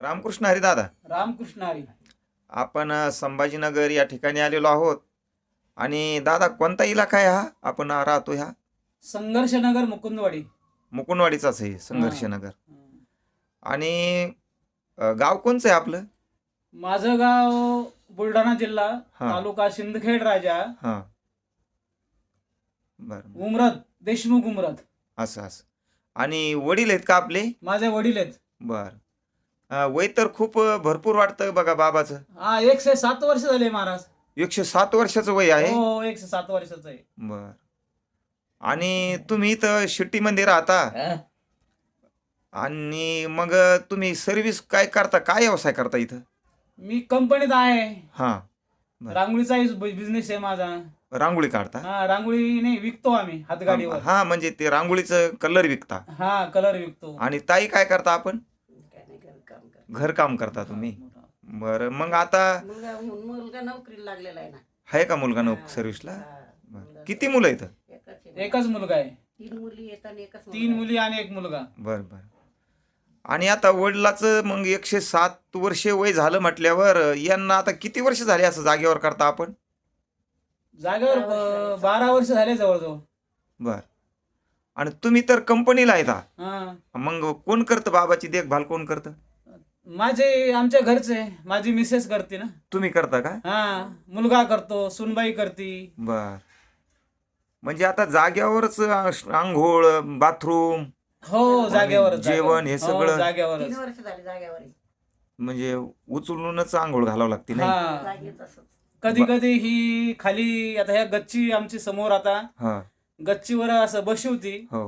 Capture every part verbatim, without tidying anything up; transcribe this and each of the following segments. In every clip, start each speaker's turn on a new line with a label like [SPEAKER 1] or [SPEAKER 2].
[SPEAKER 1] रामकृष्ण हरी दादा.
[SPEAKER 2] रामकृष्ण हरी.
[SPEAKER 1] आपण अ, संभाजीनगर या ठिकाणी आलेलो आहोत. आणि दादा कोणता इलाका आहे हा आपण राहतो ह्या?
[SPEAKER 2] संघर्षनगर मुकुंदवाडी.
[SPEAKER 1] मुकुंदवाडीचाच आहे
[SPEAKER 2] हा.
[SPEAKER 1] संघर्षनगर.
[SPEAKER 2] हा.
[SPEAKER 1] आणि अ, गाव कोणचं आहे आपलं?
[SPEAKER 2] माझं गाव बुलढाणा जिल्हा,
[SPEAKER 1] हा.
[SPEAKER 2] तालुका सिंदखेड राजा,
[SPEAKER 1] हां बरं बरं.
[SPEAKER 2] उमरत, देशमुख उमरत.
[SPEAKER 1] असं असं. आणि वडील आहेत का आपले?
[SPEAKER 2] माझे वडील आहेत.
[SPEAKER 1] बरं. अ, वय तर खूप अ, भरपूर वाटतं बघा बाबाचं.
[SPEAKER 2] हा, एकशे सात वर्ष झाले महाराज.
[SPEAKER 1] एकशे सात वर्षाचं वय आहे.
[SPEAKER 2] हो, एकशे सात वर्षाचं आहे.
[SPEAKER 1] बर. आणि तुम्ही इथं शिट्टीमध्ये राहता आणि मग तुम्ही सर्व्हिस काय करता, काय व्यवसाय करता इथं?
[SPEAKER 2] मी कंपनीत आहे.
[SPEAKER 1] हां बरं.
[SPEAKER 2] रांगोळीचा बिझनेस आहे माझा.
[SPEAKER 1] रांगोळी काढता?
[SPEAKER 2] हा, रांगोळी नाही विकतो आम्ही हातगाडीवर.
[SPEAKER 1] हा म्हणजे ते रांगोळीचं कलर विकता.
[SPEAKER 2] हा, कलर विकतो.
[SPEAKER 1] आणि ताई काय करता आपण? घरकाम करता तुम्ही? बरं. मग आता
[SPEAKER 3] मुलगा मुलगा नोकरीला लागलेला आहे ना.
[SPEAKER 1] आहे का मुलगा नोक सर्व्हिसला? बरं. किती मुलं आहेत?
[SPEAKER 3] एकच आहे.
[SPEAKER 2] एकच मुलगा आहे.
[SPEAKER 3] तीन मुली आहेत आणि एकच मुलगा
[SPEAKER 2] तीन
[SPEAKER 3] आहे.
[SPEAKER 2] मुली आणि एक मुलगा.
[SPEAKER 1] बरं बरं. आणि आता वडिलाचं मग एकशे सात वर्षे वय झालं म्हटल्यावर यांना आता किती वर्ष झाले असं जागेवर करता आपण?
[SPEAKER 2] जागेवर
[SPEAKER 3] बारा वर्ष झाले.
[SPEAKER 2] ब- बारा वर्ष झाले जवळजवळ.
[SPEAKER 1] बर. आणि तुम्ही तर कंपनीला आहेत हा.
[SPEAKER 2] हा.
[SPEAKER 1] मग कोण करतं बाबाची देखभाल, कोण करतं?
[SPEAKER 2] माझे आमच्या घरचे माझी मिसेस करते ना.
[SPEAKER 1] तुम्ही करता का?
[SPEAKER 2] हा, मुलगा करतो, सुनबाई करती.
[SPEAKER 1] बर. म्हणजे आता जाग्यावरच आंघोळ, बाथरूम,
[SPEAKER 2] हो, जागेवर
[SPEAKER 1] जेवण हे सगळं?
[SPEAKER 2] जागेवर.
[SPEAKER 3] तीन वर्ष झाली जागेवर आहे.
[SPEAKER 1] म्हणजे उचलूनच आंघोळ घालावं लागते नाही?
[SPEAKER 2] हा,
[SPEAKER 3] जागेच असंच.
[SPEAKER 2] कधी कधी ही खाली आता ह्या गच्ची आमची समोर आता
[SPEAKER 1] हा.
[SPEAKER 2] गच्चीवर असं बशी होती
[SPEAKER 1] हो.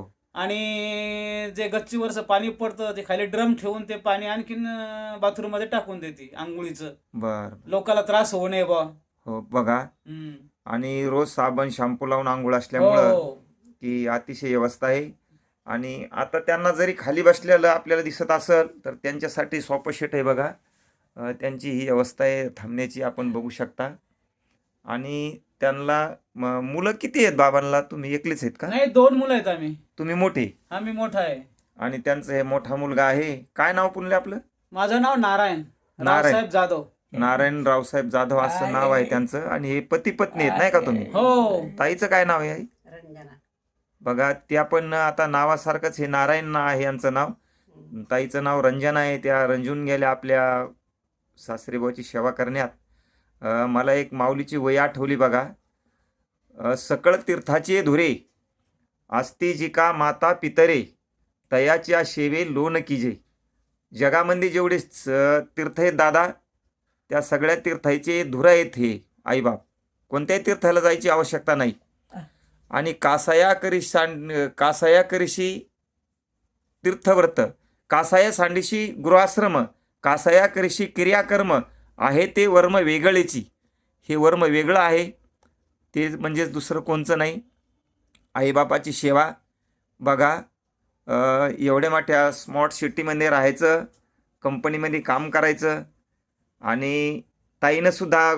[SPEAKER 2] आणि जे गच्चीवरचं पाणी पडतं ते खाली ड्रम ठेवून ते पाणी आणखीन बाथरूम मध्ये टाकून देते आंघोळीचं.
[SPEAKER 1] बर.
[SPEAKER 2] लोकांना त्रास होऊ नये बा.
[SPEAKER 1] हो बघा.
[SPEAKER 2] हम्म.
[SPEAKER 1] आणि रोज साबण शॅम्पू लावून आंघोळ असल्यामुळं
[SPEAKER 2] हो.
[SPEAKER 1] की अतिशय व्यवस्था आहे. आणि आता त्यांना जरी खाली बसलेलं आपल्याला दिसत असेल तर त्यांच्यासाठी सोपं शेट आहे बघा. अ, त्यांची ही व्यवस्था आहे थांबण्याची, आपण बघू शकता. आणि त्यांना म- मुलं किती आहेत बाबांना? तुम्ही एकलेच आहेत का?
[SPEAKER 2] नाही, दोन मुलं आहेत आम्ही.
[SPEAKER 1] तुम्ही मोठे?
[SPEAKER 2] आम्ही मोठा आहे.
[SPEAKER 1] आणि त्यांचं हे मोठा मुलगा आहे. काय नाव पुनले आपलं?
[SPEAKER 2] माझं नाव नारायण
[SPEAKER 1] नारायण.
[SPEAKER 2] रावसाहेब जाधव.
[SPEAKER 1] नारायण रावसाहेब जाधव असं नाव आहे त्यांचं. आणि हे पती पत्नी आहेत नाही का तुम्ही?
[SPEAKER 2] हो.
[SPEAKER 1] ताईचं काय नाव आहे आई?
[SPEAKER 3] रंजना.
[SPEAKER 1] बघा, त्या पण आता नावासारखंच हे नारायण ना आहे यांचं नाव. ताईचं नाव रंजना आहे. त्या रंजून गेल्या आपल्या सासरेबाची सेवा करण्यात. अ, मला एक माऊलीची वय आठवली बघा. अ, सकळ तीर्थाचे धुरे आस्ती जिका माता पितरे तयाच्या शेवे लोन कीजे. जगामध्ये जेवढे स- तीर्थ आहेत दादा, त्या सगळ्या तीर्थाचे धुरा आहेत हे आईबाप. कोणत्याही तीर्थाला जायची आवश्यकता नाही. आणि कासाया करी सांड कासाया करीशी तीर्थव्रत, कासाया सांडीशी गृहाश्रम, कासाया करीशी क्रियाकर्म आहे ते वर्म वेगळेची. हे वर्म वेगळं आहे, ते म्हणजेच दुसरं कोणचं नाही. आईबापाची सेवा बघा. अ, एवढ्या मोठ्या स्मॉर्ट सिटीमध्ये राहायचं, कंपनीमध्ये काम करायचं. आणि ताईनंसुद्धा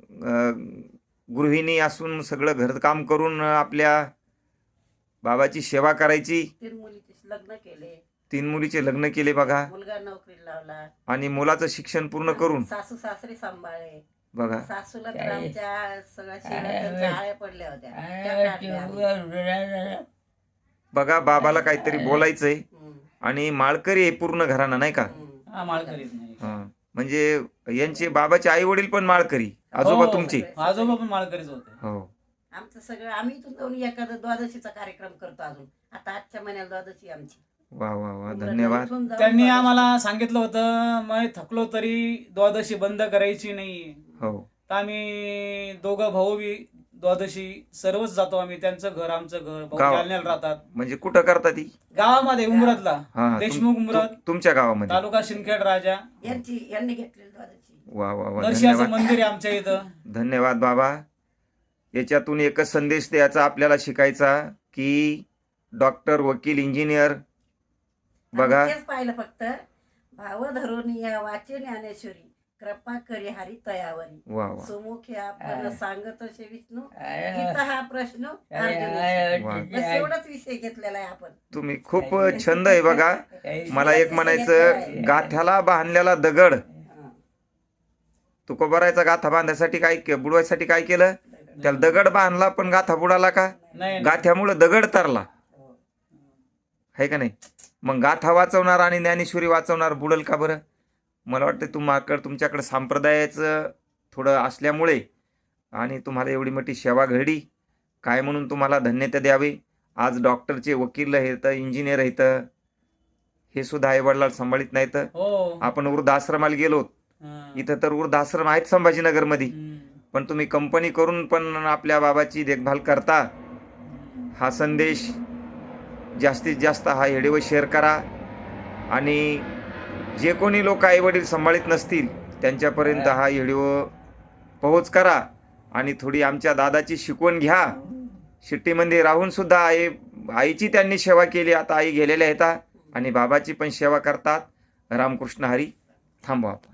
[SPEAKER 1] गृहिणी असून सगळं घरकाम करून आपल्या बाबाची सेवा करायची.
[SPEAKER 3] तीन मुलीचे लग्न केले.
[SPEAKER 1] तीन मुलीचे लग्न केले बघा.
[SPEAKER 3] मुलगा नोकरीला लावला.
[SPEAKER 1] आणि मुलाचं शिक्षण पूर्ण करून
[SPEAKER 3] सासू सासरे सांभाळले.
[SPEAKER 1] बघा.
[SPEAKER 3] सासूला तर आमच्या सगळ्या शेणाच्या आळ्या पडल्या होत्या, त्या काढल्या आम्ही.
[SPEAKER 1] बघा, बाबाला काहीतरी बोलायचंय.
[SPEAKER 3] हम्म.
[SPEAKER 1] आणि माळकरी आहे पूर्ण घराणं नाही का?
[SPEAKER 3] हम्म.
[SPEAKER 2] हा, माळकरीच नाही.
[SPEAKER 1] हा. म्हणजे यांचे बाबाचे आई वडील पण माळकरी, आजोबा
[SPEAKER 2] हो.
[SPEAKER 1] तुमचे?
[SPEAKER 2] आजोबा पण माळकरीच होते.
[SPEAKER 1] हो.
[SPEAKER 3] आमचं सगळं आम्ही इथून जाऊन एखादा द्वादशीचा कार्यक्रम करतो अजून. आता आजच्या महिन्याला द्वादशी आमची.
[SPEAKER 1] वा वा वा, धन्यवाद.
[SPEAKER 3] इथून जाऊन
[SPEAKER 2] त्यांनी
[SPEAKER 3] द्वादशी-
[SPEAKER 2] आम्हाला सांगितलं होतं, मग थकलो तरी द्वादशी बंद करायची नाही.
[SPEAKER 1] हो.
[SPEAKER 2] तर आम्ही दोघं भाऊ बी द्वादशी सर्वच जातो आम्ही. त्यांचं घर आमचं घर, भाऊ
[SPEAKER 1] गाव-
[SPEAKER 2] जालन्याला राहतात.
[SPEAKER 1] म्हणजे कुठं करता ती?
[SPEAKER 2] गावामध्ये उमरतला,
[SPEAKER 1] हा, हा. तुम-
[SPEAKER 2] देशमुख उमरत,
[SPEAKER 1] तु- तुमच्या गावामध्ये?
[SPEAKER 2] तालुका सिंदखेड राजा.
[SPEAKER 3] यांची यांनी घेतलेली द्वादशी.
[SPEAKER 1] वा वा वा,
[SPEAKER 2] नरशियाचं
[SPEAKER 1] धन्यवाद.
[SPEAKER 2] मंदिर आहे आमच्या इथं.
[SPEAKER 1] धन्यवाद बाबा. याच्यातून एकच संदेश द्यायचा आपल्याला, शिकायचा की डॉक्टर, वकील, इंजिनियर बघा.
[SPEAKER 3] आम्ही तेच पाहिलं फक्त. भाव धरून या वाचे ज्ञानेश्वरी, कृपा करी हरी तयावरी
[SPEAKER 1] वा वा
[SPEAKER 3] सुमुखी आपण सांगत असे विष्णू
[SPEAKER 4] अरे
[SPEAKER 3] गीता हा प्रश्न
[SPEAKER 4] अरे,
[SPEAKER 3] अर्जुनाशी.
[SPEAKER 1] वा.
[SPEAKER 3] बस एवढाच विषय घेतलेला आहे आपण.
[SPEAKER 1] तुम्ही खूप छंद आहे बघा. मला एक म्हणायचं, गाथ्याला बांधलेला दगड
[SPEAKER 3] हा.
[SPEAKER 1] तुकोबारायचा गाथा बांधायसाठी काय के- बुडवायसाठी काय केलं? त्याला दगड बांधला, पण गाथा बुडाला का?
[SPEAKER 2] नाही नाही.
[SPEAKER 1] गाथ्यामुळं दगड तरला,
[SPEAKER 3] हो.
[SPEAKER 1] आहे का नाही? मग गाथा वाचवणार आणि ज्ञानेश्वरी वाचवणार बुडल का बरं? मला वाटतं तुम्हाकडं तुमच्याकडं संप्रदायाचं थोडं असल्यामुळे आणि तुम्हाला एवढी मोठी सेवा घडली, काय म्हणून तुम्हाला धन्यता द्यावे. आज डॉक्टरचे वकील आहेत, इंजिनियर आहेत, हे सुद्धा आईवडिलाला सांभाळीत नाहीत.
[SPEAKER 2] हो.
[SPEAKER 1] आपण वृद्धाश्रमाला गेलो,
[SPEAKER 2] हा.
[SPEAKER 1] इथं तर वृद्धाश्रम आहेत संभाजीनगरमध्ये,
[SPEAKER 2] हम्म.
[SPEAKER 1] पण तुम्ही कंपनी करून पण आपल्या बाबाची देखभाल करता. हा संदेश जास्तीत जास्त हा व्हिडिओ शेअर करा आणि जे कोणी लोक आईवडील सांभाळीत नसतील त्यांच्यापर्यंत हा व्हिडिओ पोहोच करा आणि थोडी आमच्या दादाची शिकवण घ्या. शिट्टीमध्ये राहून सुद्धा आई आईची त्यांनी सेवा केली. आता आई गेलेल्या आहेत आणि बाबाची पण सेवा करतात. रामकृष्ण हरी. थांबवा.